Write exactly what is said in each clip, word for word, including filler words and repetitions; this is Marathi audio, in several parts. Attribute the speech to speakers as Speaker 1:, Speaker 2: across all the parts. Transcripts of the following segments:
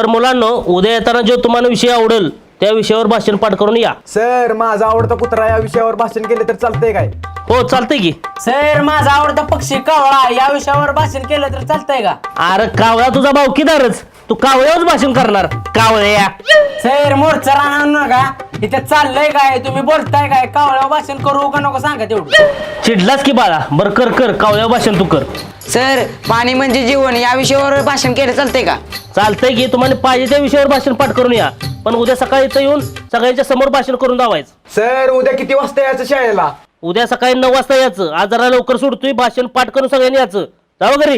Speaker 1: तर मुलांनो, उद्या येताना जो तुम्हाला विषय आवडेल त्या विषयावर भाषण पाठ करून या.
Speaker 2: सर माझा आवडता कुत्रा या विषयावर भाषण केले तर चालतंय काय?
Speaker 1: हो चालतंय की.
Speaker 3: सर माझा आवडता पक्षी कावळा या विषयावर भाषण केलं तर चालतंय का?
Speaker 1: अरे कावळा तुझा भावकीदारच, तू कावळ्यावरच भाषण करणार. कावळ्या
Speaker 3: सर मोर्चा राहणार नका, इथे चाललंय काय, तुम्ही बोलताय काय, कावळ्यावर भाषण करू का नको सांगा तेवढं.
Speaker 1: चिडलास की बाळा, बर कर कर कावळ्यावर भाषण तू कर.
Speaker 4: सर पाणी म्हणजे जीवन या विषयावर भाषण केलं चालतंय का?
Speaker 1: चालतंय की, तुम्हाला पाहिजे त्या विषयावर भाषण पाठ करून या, पण उद्या सकाळी इथं येऊन सगळ्यांच्या समोर भाषण करून दावायचं.
Speaker 2: सर उद्या किती वाजता यायचं शाळेला?
Speaker 1: उद्या सकाळी नऊ वाजता यायचं. आज जरा लवकर सोडतोय, भाषण पाठ करून सगळ्यांनी यायचं. जाऊ घरी.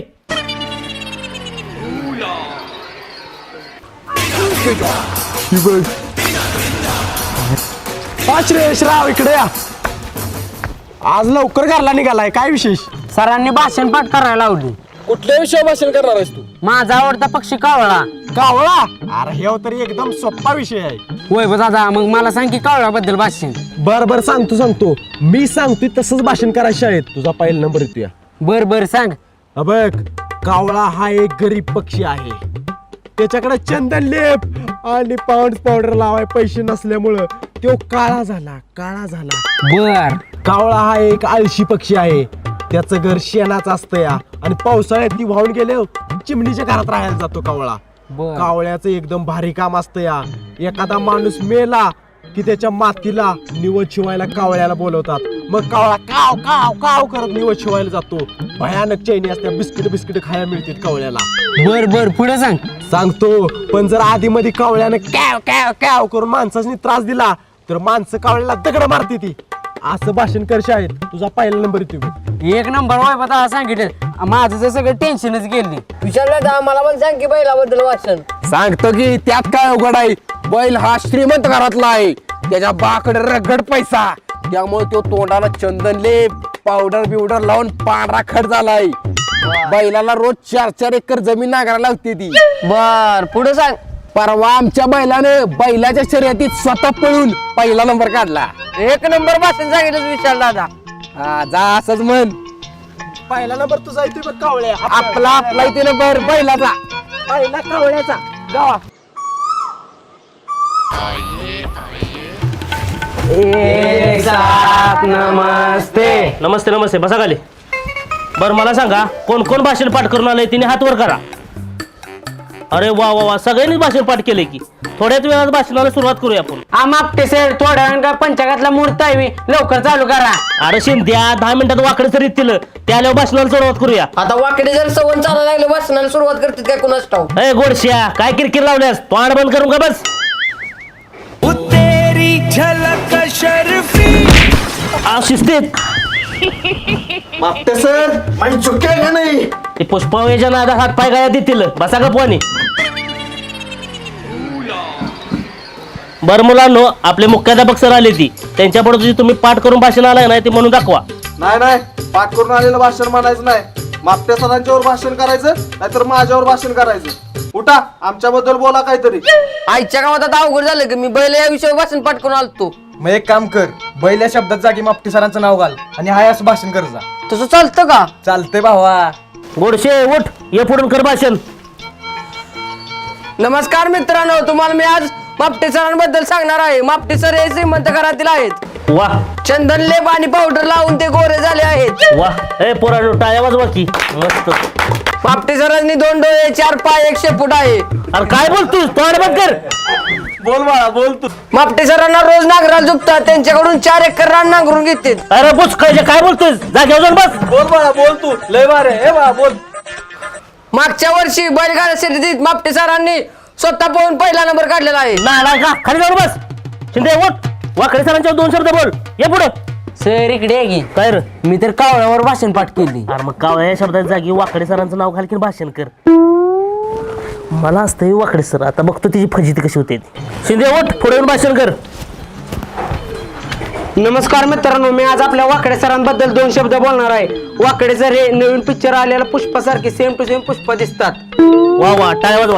Speaker 2: श्रेयश राव इकडे या. आज लवकर घरला निघालाय, काय विशेष?
Speaker 3: सरांनी भाषण पाठ करायला लावली.
Speaker 2: कुठल्या विषयावर भाषण करणार आहेस तू?
Speaker 3: माझा आवडता पक्षी कावळा.
Speaker 2: कावळा? अरे हे तरी एकदम सोपा विषय आहे.
Speaker 3: होय बा दादा, मग मला सांग की कावळ्याबद्दल भाषण.
Speaker 2: बर बर सांगतो सांगतो मी सांगतोय तसंच भाषण करायचं शाळेत. तुझा पहिला नंबर येतोय.
Speaker 3: बर बर सांग.
Speaker 2: बघ, कावळा हा एक गरीब पक्षी आहे. त्याच्याकडे चंदन लेप आणि पाऊंड पावडर लावाय पैसे नसल्यामुळं तो काळा झाला काळा झाला
Speaker 3: बर.
Speaker 2: कावळा हा एक आळशी पक्षी आहे. त्याचं घर शेणाचं असतं या, आणि पावसाळ्यात ती वाहून गेले चिमणीच्या घरात राहायला जातो कावळा.
Speaker 3: बर.
Speaker 2: कावळ्याचं एकदम भारी काम असतं या. एखादा माणूस मेला की त्याच्या मातीला निवड शिवायला कावळ्याला बोलवतात. मग कावळा काव काव काव करत निवड शिवायला जातो. भयानक चैनी असते, बिस्किट बिस्किट खायला मिळतात कावळ्याला.
Speaker 3: बर बर पुढे सांग.
Speaker 2: सांगतो, पण जर आधी मध्ये कावळ्यानं कॅव कॅव कॅव करून माणसाने त्रास दिला तर माणसं कावळ्याला दगड मारते ती. असं भाषण कर शाळेत. तुझा पहिला नंबर येतो.
Speaker 3: एक नंबर होय बा दादा सांगितलं. माझं तर सगळं टेन्शनच गेली.
Speaker 5: विचारलं मला पण सांग की बैलाबद्दल वाचन.
Speaker 6: सांगतो की त्यात काय अवघड आहे. बैल हा श्रीमंत घरातला आहे. त्याच्या बाकडे रगड पैसा, त्यामुळे तो तोंडाला चंदन लेप पावडर बिवडर लावून पांढरा खड झालाय. बैलाला रोज चार चार एकर जमीन नांगरायला लागते ती.
Speaker 5: बर पुढे सांग.
Speaker 6: परवा आमच्या बैलानं बैलाच्या शर्यतीत स्वतः पळून पहिला नंबर काढला.
Speaker 5: एक नंबर भाषण सांगितलं विचार दादा.
Speaker 6: हा जा असंच म्हण.
Speaker 2: पहिला नंबर तुझा येतोय बघ कावळ्या.
Speaker 6: आपला आपला इथे नंबर बैलाचा.
Speaker 2: पहिला कावळ्याचा. गावा.
Speaker 3: एक साथ नमस्ते.
Speaker 1: नमस्ते नमस्ते, बसा खाली. बरं मला सांगा, कोण कोण भाषण पाठ करून आलंय तिने हात वर करा. अरे वा वा वा, सगळ्यांनीच भाषण पाठ केले की. थोड्याच वेळात भाषणाला सुरुवात करूया आपण.
Speaker 3: आमापटे सर थोड्या वेळ पंचायतला मुहूर्त आहे मी, लवकर चालू करा.
Speaker 1: अरे शिंद्या, दहा मिनिटात वाकडे सर येतील, त्याला भाषणाला सुरुवात करूया.
Speaker 5: आता वाकडे जर सवन चालायला लागलं भाषणाला सुरुवात करतात काय कुणाच ठाऊक.
Speaker 1: ए गोडश्या, काय किरकिर लावल्यास? तोंड बंद करून का बस. आ, शिस्तीत.
Speaker 2: मागते सर माझी चुकी आहे का नाही?
Speaker 1: ते पुष्पावेच्या नादात हात पाय गाया देतील. बसा का पोहानी. बर मुलांनो, आपले मुख्याध्यापक सर आले ती, त्यांच्यापुढे तुझी तुम्ही पाठ करून भाषण आलाय ना ते म्हणून दाखवा.
Speaker 7: नाही नाही, पाठ करून आलेलं भाषण म्हणायचं नाही. मागच्या सरांच्यावर भाषण करायचं, नाहीतर माझ्यावर भाषण करायचं. उठा, आमच्याबद्दल बोला काहीतरी.
Speaker 5: आईच्या गावात आता अवघड झालं की मी बैल या विषयावर भाषण पाठ करून आलतो.
Speaker 2: मग एक काम कर, बैल या शब्दात जागी मापटी सरांचं नाव घाल आणि हाय असं भाषण कर जा.
Speaker 5: तसं चालतं का?
Speaker 2: चालतंय भावा.
Speaker 1: गोडशे उठ, ये पुढून कर भाषण.
Speaker 5: नमस्कार मित्रांनो, तुम्हाला मी आज मापटे सरांबद्दल सांगणार आहे. मापटे सर हे श्रीमंत घरातील आहेत.
Speaker 1: वा
Speaker 5: चंदन लेप आणि पावडर लावून ते गोरे झाले आहेत.
Speaker 1: वा, ए पोरांनो टाळ्या वाजवा की. मस्त.
Speaker 5: मापटे सरांनी दोन डोळे, चार पाय, एक शेपूट आहे.
Speaker 1: अरे काय बोलतोस? तोंड बंद कर.
Speaker 2: बोल बाळा बोल तू.
Speaker 5: मापटे सरांना रोज नांगराला झुकतात, त्यांच्याकडून चार एकर रान नांगरून घेतात.
Speaker 1: अरे बुच काय काय बोलतोस? जागेवर जाऊन बस.
Speaker 2: बोल बाळा बोल तू. लय बारे हे बाळा बोल.
Speaker 5: मागच्या वर्षी बैलगाडा शर्यतीत मापटे सरांनी स्वतः पोहून पहिला नंबर काढलेला आहे.
Speaker 1: नाला का खाली जाऊन बस. शिंदे उठ, वाकडे सरांच्या दोन शब्द बोल. ये पुढे.
Speaker 3: सर इकडे आहे की.
Speaker 1: काय रे?
Speaker 3: मी तर कावळ्यावर भाषण पाठ केली.
Speaker 1: अरे मग कावळ्या या शब्दाच्या जागी वाकडे सरांचं नाव घाल की भाषण कर. मला असतं वाकडे सर, आता बघतो तिची फजिती कशी होते. शिंदे उठ, पुढे येऊन भाषण कर.
Speaker 3: नमस्कार मित्रांनो, मी आज आपल्या वाकडे सरांबद्दल दोन शब्द बोलणार आहे. वाकडे सर हे नवीन पिक्चर आलेल्या पुष्पासारखे सेम टू सेम पुष्प दिसतात.
Speaker 1: वा वा, टाळ्या वाजवा.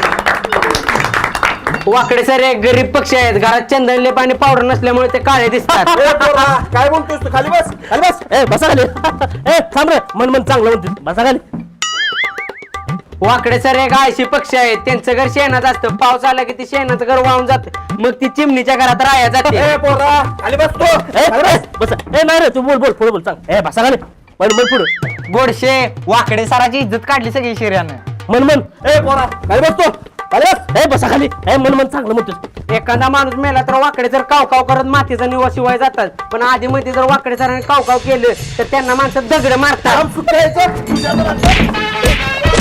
Speaker 3: वाकडे सर एक गरीब पक्षी आहेत. घरात चंदन लेप आणि पावडर नसल्यामुळे ते काळे दिसतात.
Speaker 2: काय बोलतोस तू? खाली बस खाली बस.
Speaker 1: ए बसा खाली. ए थांब रे, मन मन चांगलं म्हणते. बसा खाली.
Speaker 3: वाकडे सर एक आळशी पक्षी आहेत, त्यांचं घर शेणाचं असतं. पाऊस आला की ते शेणाचं घर वाहून जातं, मग ती चिमणीच्या घरात राहायला जाते.
Speaker 1: ए, बस ए नाही रे तू बोल बोल पुढे बोल सांग ए बसा खाली मन मन पुढे
Speaker 3: गोडशे वाकडे सराची इज्जत काढली सगळी शिर्यानं.
Speaker 1: मन मन ए पोरा खाली बसतो खाली बस ए बसा खाली ए मन मन चांगलं म्हणतोस
Speaker 3: एखादा माणूस मेला तर वाकडे जर काव काव करत मातीचा निवास शिवाय जातात, पण आधी मध्ये जर वाकडे सरांनी काव काव केलं तर त्यांना माणसं दगड मारतात.